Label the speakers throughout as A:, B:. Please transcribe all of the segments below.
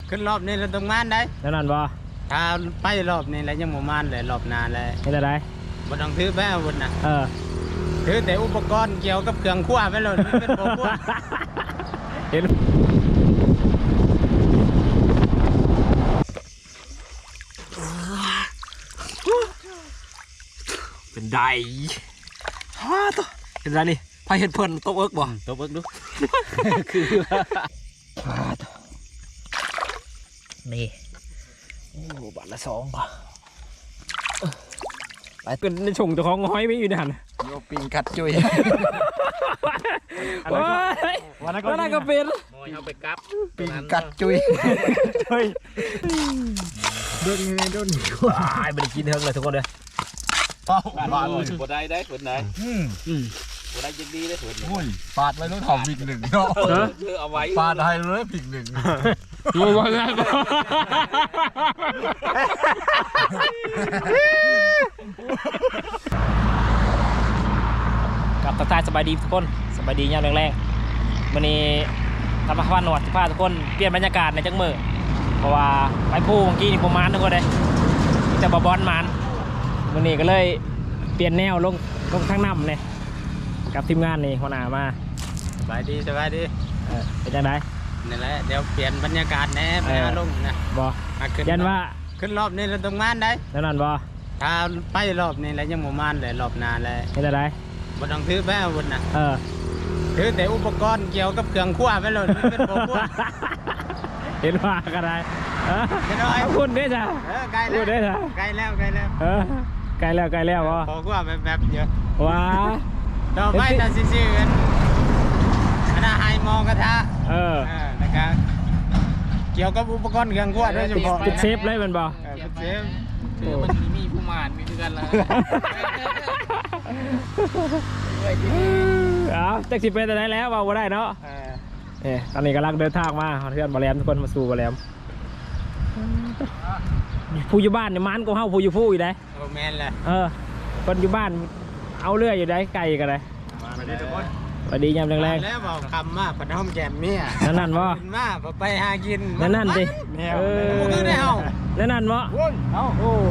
A: ขึ้นรอบนี้เราต้องมานได้
B: แล้วนั่นบ่
A: ถ้าไปรอบนี้แล้วยังบ่มานเลยรอบหน้าเลย
B: เฮ็ดอะไร
A: บ่ต้องถือไปอาวุธนะ
B: อ
A: ถือแต่อุปกรณ์เกี่ยวกับเครื่องครัวไปเลยเป็นบ่ครัว
B: เห็นเป็นไดฮ่าตัวเป็นไรนี่พายเห็ดเพิ่นตบเอิกบ่
A: ตบเอิกดู
B: คือฮ่าตัวนี่โอ้บาทละ2ป่ะไปเป็นในชงเจ้าของห้อยไม่อยู่ในหัน
A: โยปิงกัดจุย
B: วันนั้นก็เป็น
A: เอาไปกับปิงกัดจุยโดนยังไงโดน
B: ว้ายไม่ได้กินเทิงเลยทุกคนเลย
A: ป้าบ่ได้ได้ผลไหนบ่ได้ยังดีได้ผลปาดไว้ต้องถอมผิดหนึ่งเนาะเอาไว้ปาดให้เลยผิดหนึ่ง
B: รู้ว่าแล้วกับทักทายสบายดีทุกคนสบายดียามแรงๆวันนี้ทำมาพาหนวดพาทุกคนเปลี่ยนบรรยากาศในจังมือเพราะว่าไปพูเมื่อกี้นี่ประมาณทุกคนเลยแต่บอลมันวันนี้ก็เลยเปลี่ยนแนวลงทางน้ำเลยกับทีมงานนี่หัวหน้ามา
A: สบายดี
B: เป็นยังไง
A: นี่แหละเดี๋ยวเปลี่ยนบรรยากาศแน่ไปหาลงนะ
B: บ่ยันว่า
A: ขึ้นรอบนี้เราต้องมานได้
B: แล้วนั่นบ่
A: ถ้าไปรอบนี้แล้วยังบ่มานเลยรอบหน้าเลย
B: เฮ็ดอะไร
A: บ่ต้องถือไปอาวุธนะ
B: ถื
A: อแต่อุปกรณ์เกี่ยวกับเครื่องครัวไปเลยเป็นบ่ครัว
B: เห็นว่าก็ได้คุณได้จ้ะ
A: ใกล้แล้วใกล้แล้ว
B: ใกล้แล้วบ่
A: พอครัวแบบเยอะ
B: ว้า
A: ต่อไปจะซื่อๆกันคณะไฮมองกระทะนะครับเกี่ยวกับอุปกรณ์เครื่องครัวโดยเฉพาะ
B: เป็นเซฟเลยมันบ่
A: เป็นเซฟคือมันมีผู้มานมีเพื่อนแล้ว
B: จักสิเป็นอะไรแล้วว่าได้เนาะตอนนี้กำลังเดินทางมาเพื่อนบาแรมทุกคนมาสู่บาแรมผู้อยู่บ้านเนี่ยมันก็เข้าผู้อยู่ผู้อยู่ได้
A: แมนเลย
B: คนอยู่บ้านเอาเรื่อยอยู่ได้ไกลกันเลยสวัสดียามแรง
A: ๆแล้วบอกคำมากพน้อมแจมเมีย
B: นั่นวะ
A: มากไปหากิน
B: นั่นดิ
A: ได้เอา
B: นั่นวะโอ้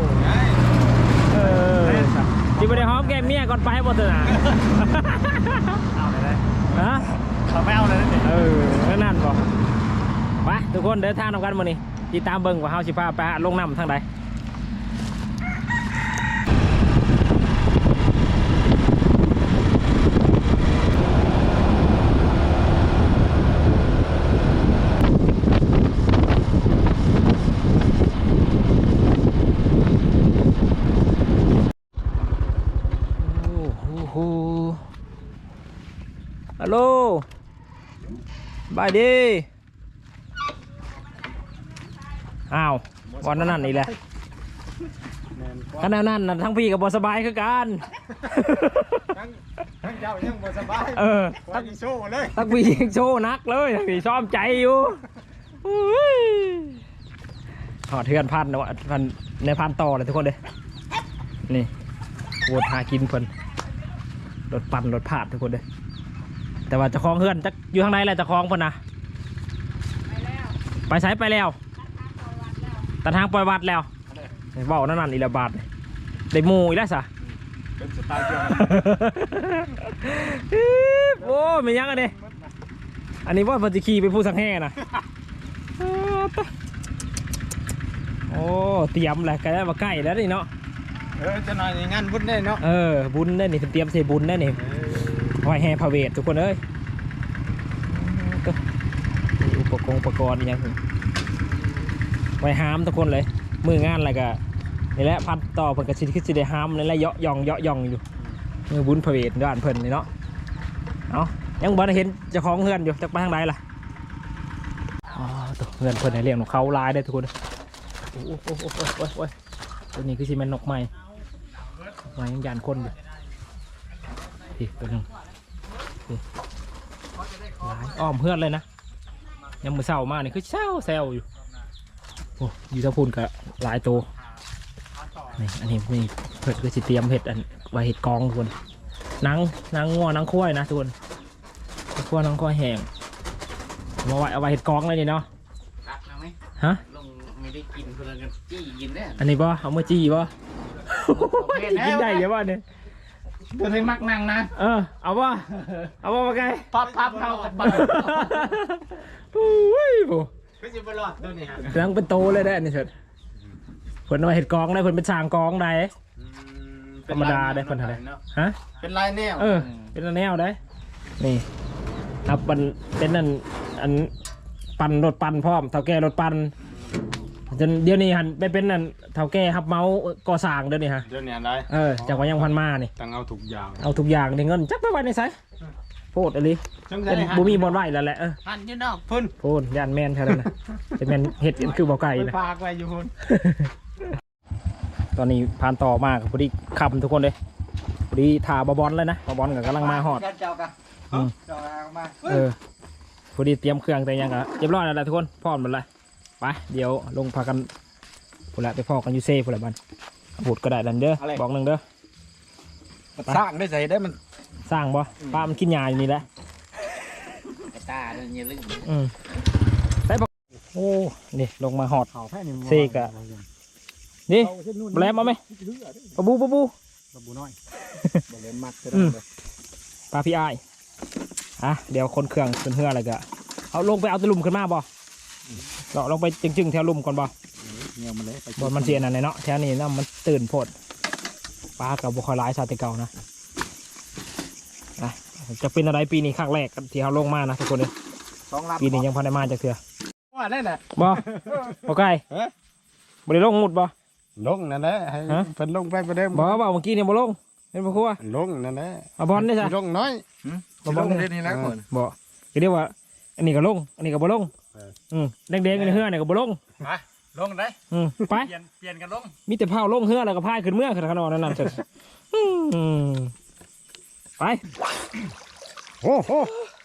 B: ที่ไปได้หอมแก้มเมียก่อนไปให้บอสนะ
A: เอาเลย
B: ฮะ
A: เขาไม่เอาเลย
B: นั่นบอกไปทุกคนเดินทางทำกันมานี่ติดตามเบิ้งว่าเฮาสิพาไปลงน้ำทางใดฮัลโหลบายดีอ้าววันนั้นนี่แหละขณะนั้นทั้งพี่กับบอสบายคือกัน
A: ทั้งเจ้ายังบอสบายทั้งพี่โชว์เลย
B: ทั้งพี่โชว์นักเลยทั้งพี่ซ้อมใจอยู่หอดเทือนพันนะวะพันในพันต่อเลยทุกคนเลยนี่โวดหากินเพิ่นรถปั่นรถผาดทุกคนเลยแต่ว่าจะคล้องเฮือนจะอยู่ข้างในแหละจะคล้องเพิ่นนะไปใช้ไปแล้วตัดทางปล่อยวัดแล้วเบานั่นอีละบาทได้มูอีแล้วสะ
A: เป็นสไตล์เดียว
B: โอ้ไม่ยั้งอันนี้อันนี้ว่าพันธิคีเป็นผู้สังแห่นะโอ้เตรียมแหละใกล้มาใกล้แล้วนี่เนาะ
A: จะหน่อยงานบุญได้เนาะ
B: บุญได้นี่เตรียมเสบุญได้นี่ไหวแห่พระเวททุกคนเอ้ยอุปกรณ์ยังไว้ห้ามทุกคนเลยมืองานอะไรก็นี่แหละพัดต่อเพิ่นกระชิดขึ้นสิได้ห้ามนี่แหละเยาะย่องอยู่มือบุญพระเวทด้านเพิ่นนี่เนาะเอายังบ่ได้เห็นเจ้าของเฮือนอยู่จะไปทางใดล่ะตัวเฮือนเพิ่นให้เลี้ยงนกเขาลายได้ทุกคนโอ้ตัวนี้คือซีเมนต์นกใหม่ยังยานคนอยู่อีกตัวนึงลายอ้อมเฮือนเลยนะยังมือเศร้ามากนี่คือแซวอยู่โอ้ยูทัพพูนกับหลายตัวนี่อันนี้นี่เผ็ดคือสิเตรียมเห็ดอันไว้เห็ดกองทุกคนนังงัวนังคุ้ยนะทุกคนขั้วนังคุ้ยแห้งมาไว้เอาไว้เห็ดกองเลยนี่เนาะฮะ
A: ลงไม่ได้กินคนละกันจี้กินแน่
B: อันนี้บ่เอามาจี้บ่กินได้เยอะบ่เนี่ย
A: ตัวให้มักนั่งนะ
B: เอาบ่มาไกล
A: พับเท่ากันบ้าง
B: อุ้ยโบ
A: ไม่ใช่บอลอดตัวนี้ฮะ
B: กำลังเป็นโตเลยได้อันนี่เถิดเพิ่นเอาเห็ดกองได้เพิ่นเป็นช่างกองได้ธรรมดาได้เพิ่นเท่าไหร่ฮะ
A: เป็นลายแนว
B: เป็นแนวได้นี่ครับมันเป็นนั่นอันปั่นรถปั่นพร้อมเท่าแก่รถปั่นจนเดี๋ยวนี้หันไปเป็นนั่นเท่าแก่ฮับเมาส์ก่อสร้างเดี๋ยวนี้ฮะ
A: เดี๋ยวนี้อะไร
B: จากว่ายังพันมานี่
A: ตั้งเอาทุกอย่าง
B: เอาทุกอย่างในเงินจักไปไว้ในไซโพดอะไรเป็นบูมีบอลไหวแล้วแหละ
A: หันยืนออกพุ่น
B: โพดยานแมนแค่นั้นนะเป็นแมนเห็ดคือเบาไก่นะ
A: ฝากไว้อยู่พุ่น
B: ตอนนี้ผ่านต่อมากพอดีขับทุกคนเลยพอดีถ่าบอลเลยนะบอลกำลังมาหอด
A: เจ้ากันเจ้ามา
B: พอดีเตรียมเครื่องแต่ยังกะเรียบร้อยแล้วแหละทุกคนพร้อมหมดเลยไปเดี๋ยวลงพากันพูดละไปพอกันยูเซ่พูดละบันพูดก็ได้ดันเด้อบอกหนึ่งเด้อ
A: สร้างได้ใส่ได้มัน
B: สร้างบ่ป้ามันกินยาอยู่นี่แหละ
A: ตาเนี่ยลึก
B: ได้บอกโอ้นี่ลงมาหอดเซกะนี่แบลมเอาไหมปะบู
A: น้อยเล่นมัก
B: ปลาพี่อ้ายเดี๋ยวคนเครื่องขึ้นเฮืออะไรกะเอาลงไปเอาตะลุ่มขึ้นมาบ่เราลงไปจึงแถวลุ่มก่อนบ่
A: เงี้ยมันเลย
B: บนมันเสียนั่นเนาะแถวนี้นะมันตื่นโพดปลากับบุคอยร้ายชาติเก่านะจะเป็นอะไรปีนี้ครั้งแรกที่เขาลงมานะทุกคนเลยปีนี้ยังพอได้มาจากเถื่อ
A: ว่าได้แหละ
B: บ่ไก่บ่ได้ลงหมุดบ่
A: ลงนั่นแหละให้เพิ่นลงไปประเดิม
B: บ่เมื่อกี้เนี่ยบ่ลงเป็นพ่อครัว
A: ลงนั่นแหละ
B: มาบอลได้ใช่
A: ลงน้อย
B: มาบอล
A: เล่นนี่นะคน
B: บ่ก็เรียกว่าอันนี้ก็ลงอันนี้ก็บ่ลงแดงๆในเฮือเนี่ยก็บ่ลง
A: ลงได้
B: ไป
A: เปลี่ยนกันลง
B: มีแต่เผาลงเฮือแล้วก็พายขึ้นเมื่อขึ้นขนมนั่นเสร็จไปโอ้โห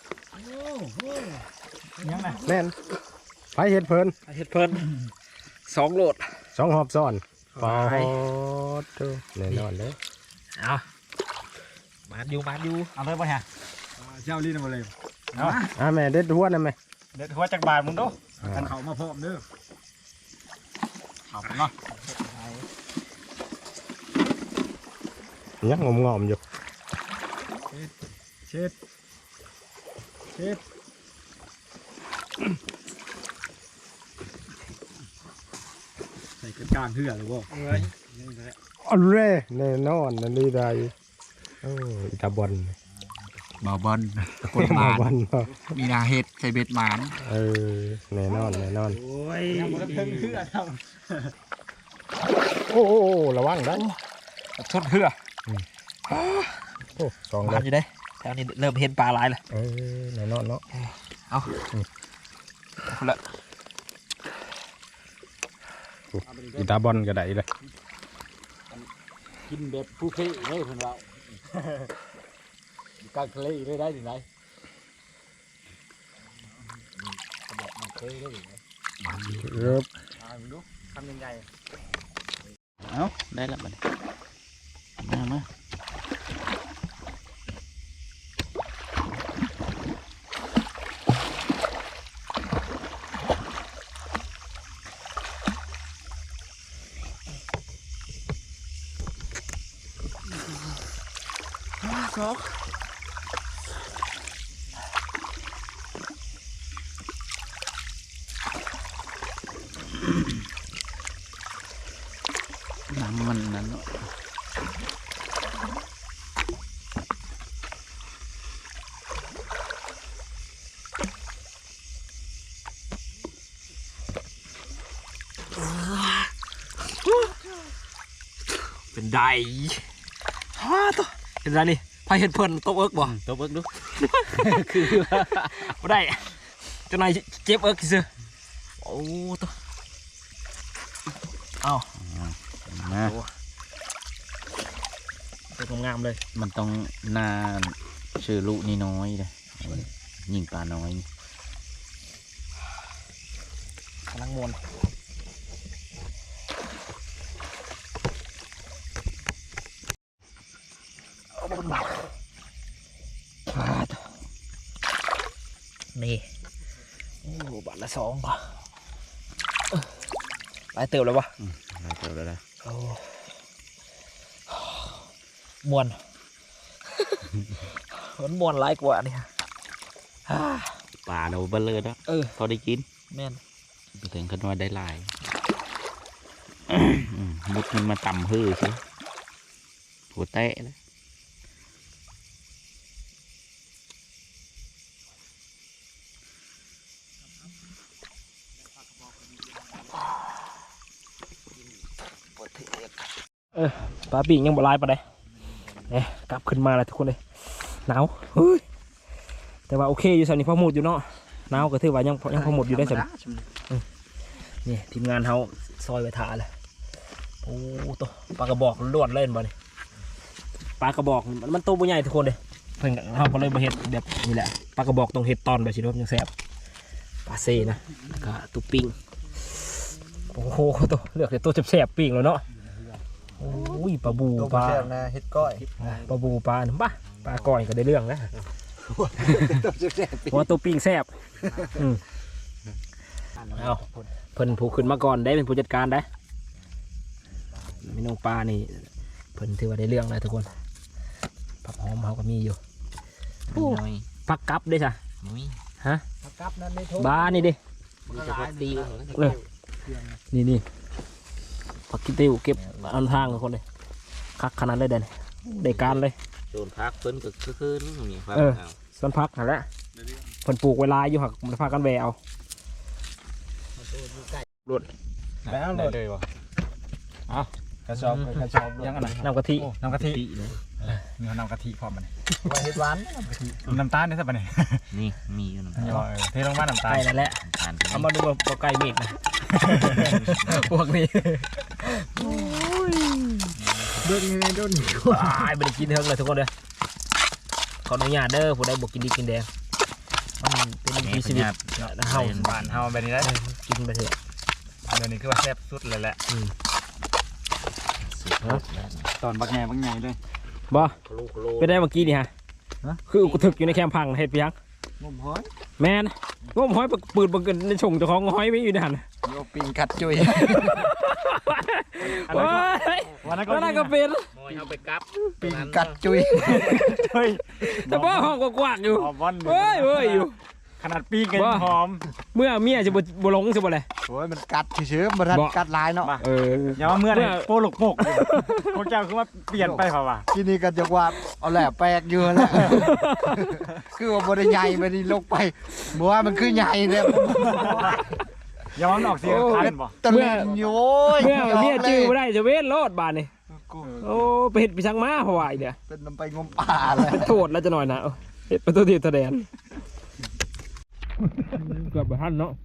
B: ยังไง
A: แน่นไปเห็ดเพลิน
B: เห็ดเพลิน2 โหลด
A: 2 หอบซ้อนปอดแน่นอนเลย
B: เอามาดูเอาเลยป่ะฮะ
A: เจ้าลิ้นมาเลยแม่เด็ดหัวนะแม่
B: เด็ดหัวจากบาทมึงดู
A: กันเขามาพร้อมเด้อเอาไปเนาะยังงอมอยู่เช็ดใส่กระจานเหื่อเลยบ่อันเร่แน่นอนนั่นนี่ได้อิตาบอล
C: บ่าวบอลกดหมาน มีนาเห็ดใส่เบ็ดหมาน
A: แน่นอน
B: โอ้ย
A: โอ้ระวังได้
B: ชดเหือ
A: โอ้2
B: มาอยู่ได้แถวนี้เริ่มเห็นปลาหลายแล้ว
A: แน่นอนเนาะ
B: เอาละ
A: อิตาบอลก็ได้เลย
C: กินแบบผู้เพ่เลยคนเรากลางทะเลได้ได้ไหนมันเคยได้ไหม
B: ทำยังไง
C: เอาได้แล้วมันมาน้ำมันนั้น
B: เป็นไดตัวเป็นไรนี่พายเห็ดเพลินโต๊ะเอิกบ่
C: ตัวเบิกดู
B: คือไม่ได้เจ้านายเจ็บเอิกซื้อโอ้ตัวเอาตัวงามเลย
C: มันต้องหน้าชื่อลูกนี่น้อยเลยยิงปลาน้อย
B: กำลังมวนนี่โอ้บาทละ2 ป่ะหลายเติบแล้ววะ
C: หลายเติบแล้วนะ
B: โอ้มวน มันมวนหลายกว่าเนี่ย
C: ป่าเราเบลเลยนะพอได้กิน
B: แม่น
C: ถึงกันว่าได้หลาย มุดมันมาต่ำฮือสิหัวแตะเลย
B: ปลาปีกยังบ่ลายปะเลยเนี่ยกลับขึ้นมาแล้วทุกคนเลยหนาวเฮ้ยแต่ว่าโอเคอยู่สันนี่พอหมดอยู่เนาะหนาวก็ถือว่ายังพอหมดอยู่ได้สันนี่ทีมงานเขาซอยไว้ถาเลยโอ้ตัวปลากระบอกล้วนเล่นบ่เนี่ยปลากระบอกมันโตบ่ใหญ่ทุกคนเลยเพิ่งเขาก็เลยมาเห็ดแบบนี้แหละปลากระบอกต้องเห็ดตอนแบบสิครับยังแซ่บปลาเซ่นะแล้วก็ตุ๊ปิ้งโอ้โหตัวเลือกแต่ตัวแซ่บๆปิ้งแล้วเนาะโอ้ยปลาบูปลาเห็ดก้อยปลาบูปลาบ้าปลาก้อยก็ได้เรื่องนะเพราะตัวปิ้งแซ่บเอาเพิ่นผู้ขึ้นมาก่อนได้เป็นผู้จัดการได้เมนูปลานี่เพิ่นถือว่าได้เรื่องเลยทุกคนผักหอมเขาก็มีอยู่ผักกับได้จ้ะฮะผักกับนั่นไม่ทุกบ้านี่ดินี่ผักกิติวเก็บอันทางทุกคนเลยคักขนาดเลยเด่นได้การเลย
C: โดนพักเพิ่นก็คือนี่ครับ
B: ส่วนพักนั่นแหละเพิ่นปลูกเวลาอยู่หักมันพากันแวเอาหลุด
A: แล้วเลยวะเอากระชอบยังไง
B: น้ำกะทิ
A: น้ำกะทิมีน้ำกะทิพร้อมมัน
B: เห็ดหวาน
A: น้ำตาลนี่สักปะเนี่ย
C: นี่มีอยู่น้ำตาล
A: เทลงมาน้ำตาล
B: ไก่นั่นแหละเอามาดูว่าไก่เมฆนะพวกนี้โดนยังไงโดนไอ้ไม่ได้กินเท่าเลยทุกคนเลยขออนุญาตเด้อผู้ใดบอกกินดีกินแดงมันเป็นพิเศษเฮา
A: บ้านเฮาแบบนี้ได้
B: กินไปเถอะ
A: เดี๋ยวนี้คือว่าแซ่บสุดเลยแหละตอนบักแง่เลย
B: บ่เป็นได้เมื่อกี้นี่ฮะคือกูถึกอยู่ในแคมป์พังเห็ดเปียง
A: งมหอย
B: แมนงมหอยปืนบังเกิดในชงเจ้าของหอยไม่อยู่ในหัน
A: โยปิงกัดจุย
B: วันนั้นก็เป็น
C: เอาไปกับ
A: ปิงกัดจุย
B: แต่ว่าห้องกว้างๆอยู่เฮ้ยอยู่
A: ขนาดปีกันหอม
B: เมื่อเมียจะบ่หลงสิบ่เลย
A: โอ้ยมันกัดเฉยๆมันกัดลายเนาะ
C: อย่ามาเมื่อไหร่โปลกพวกเจ้าคือว่าเปลี่ยนไปเปล่าวะ
A: ที่นี่กันจะว่าเอาแหละแปลกอยู่แล้วคือว่าบริใหญ่ไม่ได้ลงไปบอกว่ามันคือใหญ่เลย
C: อย่ามาออกเสียงคันบ่
A: ตะเล่นโย้ย
B: เมื่อเมียจื้อบ่ได้จะเว้นโลดบาดนี่โอ้ไปเฮ็ดไปช่างม้าเพราะว่าเนี่ย
A: เป็นนำไปงมป่าเลย
B: โทษแล้วจะหน่อยนะเฮ็ดประตูที่แสดงเกือบบ่ทันเนาะ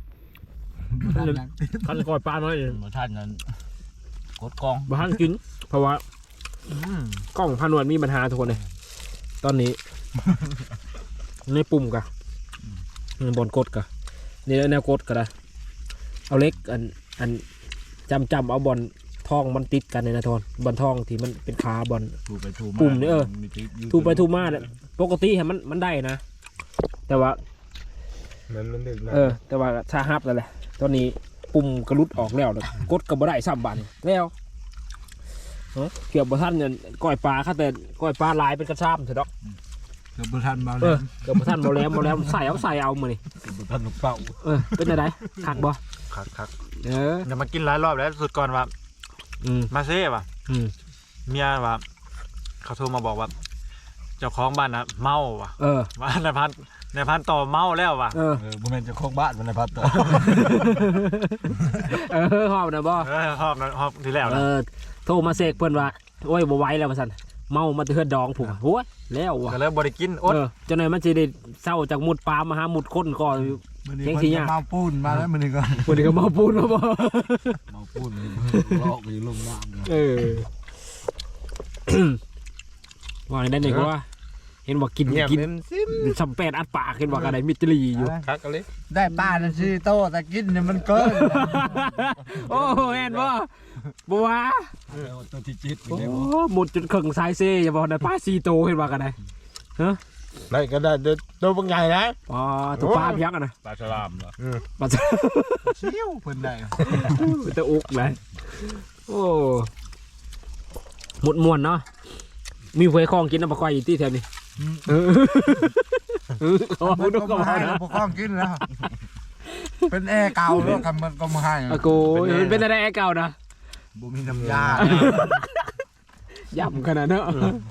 B: ทันก่อยปลาน้อยเอง
C: ท่านนั้นกดกอง
B: บ่ทันกินเพราะว่ากล้องพานวดมีปัญหาทุกคนเลยตอนนี้ในปุ่มกะบอลกดกะนี่แนวกดกะได้เอาเล็กอันจำเอาบอลทองมันติดกันในนะทอนบอลทองที่มันเป็นขาบอล
C: ถูไปถูมา
B: ปุ่มนี่ถูไปถูมาเนี่ยปกติมันได้นะแต่ว่า
A: มันดึกนะ
B: แต่ว่าชาฮับแล้วแหละตอนนี้ปุ่มกระลุดออกแล้วกดกับบ่ได้ซ้ำบันแล้วเกี่ยวบ่ทันเนี่ยก้อยปลาค่ะแต่ก้อยปลาลายเป็นกระซ้ำเถอะดอก
A: เกือบทันมา
B: เกือบบ่ทันบ่แล้วใส่เอามือนี่
A: เกือบทันลูกเป่า
B: เป็นอะไรคักบ่
A: คัก
D: อย่ามากินหลายรอบแล้วสุดก่อนว่ามาเซ่ป่ะเมียว่าเขาโทรมาบอกว่าเจ้าของบ้านนะเมาว่ะว่านายพันต่อเมาแล้วว่ะ
A: บุญเป็นจะโค้งบ้านมันในพัดต่อ
B: หอบนะบ่
D: หอบทีแล้วนะ
B: โทรมาเสกเพิ่นว่าโอ้ยบ่ไหวแล้วว่าซั่นเมามาเทือนดองผมโอ้ยแล้วว่ะ
D: ก็เลยบ่ได้กินอด
B: จังได๋มันสิได้เศร้าจากมุดปลามาหามุดคนก่อน
A: เจ๊งสิยากเมาปูนมาแล้วมันนี่ก็
B: เมาปูนแล้วบ่
A: เมาปูนลอกอยู่ลงน้ำ
B: ว่าได้นี่ก็ว่าเห็นว่ากินสัมแปดอัดปากเห็นว่าอะไรมิตรีอยู่
D: คักเลย
A: ได้ป้านั่นชื่อโตแต่กินเนี่ยมันเกิน
B: โอ้แอนบ่บัว
A: ตัวที่จิต
B: โอ้หมดจุดเข่งสายเซ่อย่าบอกนะป้าซีโตเห็นว่ากันไหนฮะ
E: ได้ก็ได้ตัวบางใหญ่นะ
B: อ๋อตัวปลาเพียงอะนะ
A: ปลาฉลามเหรอ
B: ปลา
D: เชี่ยวเพิ่นได้
B: ตัวอุกเลยโอ้หมดมวนเนาะมีหวยคลองกินน้ำปลาควายอยู่ที่แถวนี้เขา
E: มัน
B: ดู
E: ก็
B: ก็
E: มา
B: มา
E: ให้
B: นะ
E: พวกข้องกินแล้วเป็นแอร์เก่าแล้วกันมันก็มาให้
B: อากูเป็นอะไรเก่านะ
E: บ่มีน้ำยา
B: ย่ำขนาดนั้น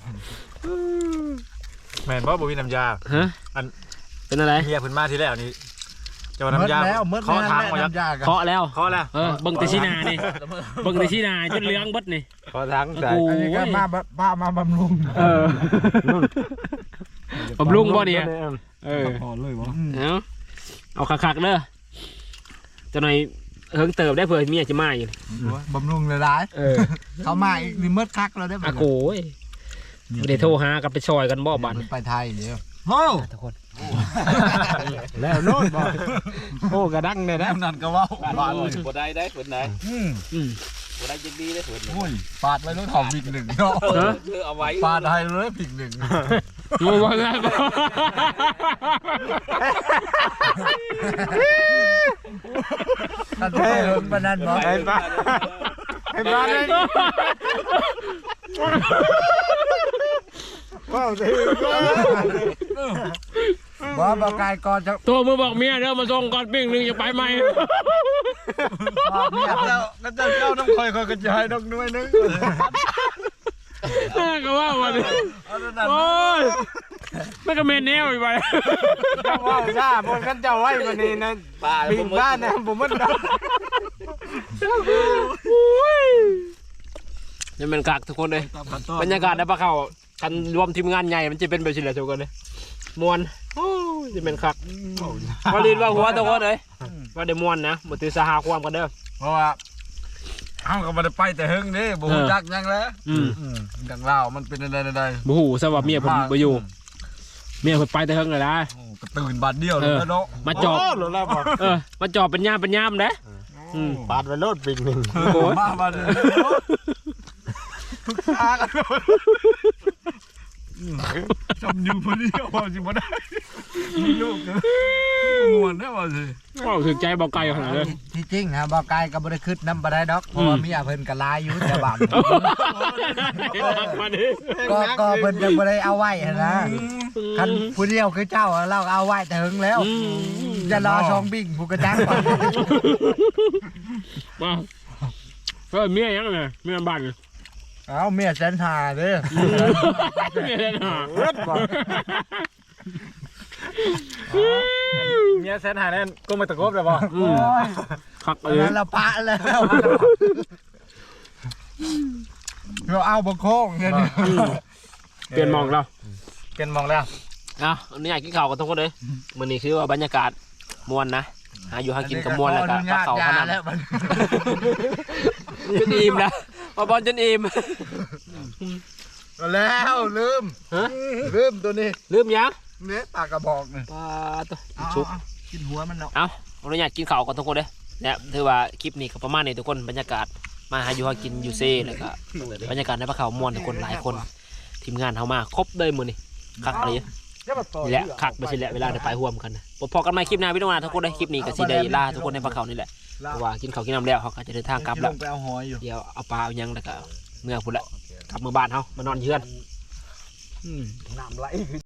D: แม่นบ่บ่มีน้ำยา
B: ฮะ
D: อัน
B: เป็นอะไร
D: เมียเพิ่นมาทีแล้วนี่เจ้า
E: หม
D: น้ำ
E: ด
D: ยา
E: แล้วหมด
D: ขอทางมายัก
E: น้ำยากัน
B: เคาะแล้ว
D: ขอแล้ว
B: เบิ่งแต่ชีนานี่เบิ่งแต่ชีนาจนเหลืองเบดนี่
D: ขอทางใส่
E: อันนี้ก็มาป้ามาบำรุง
B: บำรุงบ่เนี่ย
E: พอเลยวะ
B: เอาคักๆเด้อจะหน่อยเฮิงเติบได้เผื่อเมียจะมาอยู่
E: บำรุงเลยร้ายเขามาอีกนี่มืดคักแล้วได้ไหม
B: อากูไม่ได้โทรหากับไปซอยกันบ่บัน
E: ไปไทยเดี๋ยว
D: โอ้
B: ทุกคน
E: แล้วโน่นบอกโอ้กระดังเลยนะ
A: นั่นก็ว่าบ้านบ่ได้เพิ่นไหน
B: อืม
A: บ่ได้ยังดีได้เพิ่น
E: โอ้ยปาดไปรถหอมอีกหนึ่งเนาะ
A: เอาไว้
E: ปาดให้เลยผิดหนึ่ง
B: งูบอลแล้ว
E: นั่นเท่ลงปนันบอก
D: ไอ้บ้าไอ้บ้าเลยว้าวสิ
E: บอกบอกกายก่อนจะ
B: ตัวมือบอกเมียเด้อมาส่งก่อนปิ้งหนึ่งจะไปไหม
E: บอกเนี่ย
D: แล้วก็จะเจ้าน้ำคอยก็จะให้ดอกน้อยนึง
B: ก็ว่าวันนี้โอ้ยไม่ก็เมนแนวอีกไป
D: ว้าวซ่าบนกันเจ้าไว้วันนี้นะ
A: ปลา
D: บินบ้านนะผมมัน
B: นี่เป็นกักทุกคนเลยบรรยากาศในปลาเขากันรวมทีมงานใหญ่มันจะเป็นแบบนี้แหละทุกคนเลยมวนโอ้ยจะเป็นคักว่าลีนว่าหัวทุกคนเลยว่าเดี๋ยวมวนนะมาถือสหความกันเด้อ
E: เพราะว่าเอ้าก็มาได้ไปแต่หึงนี่บ่ฮู้จักยังแล้วดังเล่ามันเป็นอะไร
B: บูหูสวัสดิ์เมียผมไปอยู่เมียผมไปแต่เฮิงเลยนะ
E: ก็ตื่นบัดเดียวเลยเนาะ
B: มาจอบ
D: หรือแล้วบอก
B: มาจอบเป็นย่ามนะ
D: ปาดไปโลดปิงหนึ่ง
B: โอ้ย
E: มาเลยทุกทางกันจำอยู่พอดีว่าสิบ่ได้มีลูกม่วนได้ว่าสิ
B: ว้าวถึงใจเบาไกลขนาดเลย
E: ที่จริงฮะบ่กายก็บ่ได้คิดนำบ่ได้ดอกเพราะว่ามีเพิ่นก็ลายอยู่แต่บ้านก็เพิ่นยังบ่ได้เอาไว้นะคันผู้เดียวคือเจ้าเราเอาไว้แต่หึงแล้วจะรอชองบิ่งผู้กระจังก่อน
B: มาเมียยังไงเมียบ้าน
E: เอาเมียแสนหาเด้อ
B: เมียเล่นหา
D: เมียแสนหาแน่นก็มาตะกบเลยบอก
B: คัก
E: อั
B: เล
E: น
B: ย
E: นั้นเราปะแล้วเราเอาบ่โค้งเนี่ย
B: เปลี่ยนมองเรา
D: เป็นมองแล้ว
B: อันนี้อยากกินข้าวกันทุกคนเลยมันนี่คือว่าบรรยากาศมวนนะหาอยู่หากินกับมวนแล้วก็ปลาเขาขนาด
E: แล้วมัน
B: จนอิ่มแล้วมาบอลจนอิ่ม
E: แล้วลืมตัวนี้
B: ลืมยัง
E: เนี่ยปากกระบอกนี่
B: ปลาตัว
E: ชุบกินหัวมันเนาะ
B: เราอยากกินข้าวกันทุกคนเลยเนี่ยถือว่าคลิปนี้ก็ประมาณนี้ทุกคนบรรยากาศมาหาอยู่หากินอยู่เซ่แล้วก็บรรยากาศในปลาเขามวนทุกคนหลายคนทีมงานเขามาครบเลยมือนี่คักอะไรนี่แหละคักไปสิแหละเวลาได้ไปร่วมกันนะพอกันใหม่คลิปหน้าพี่น้องนะทุกคนได้คลิปนี้ก็สิได้ลาทุกคนในปลาเขานี่แหละเพราะว่ากินข้าวกินน้ำแล้วเขาก็จะเดินทางกลับแล้ว
E: ไปเอาหอยอยู่
B: เดี๋ยวเอาปลาเอายังแล้วก็เมื่อพุ่นละกลับมือบ้านเขามานอนเยือน
E: น้ำไหล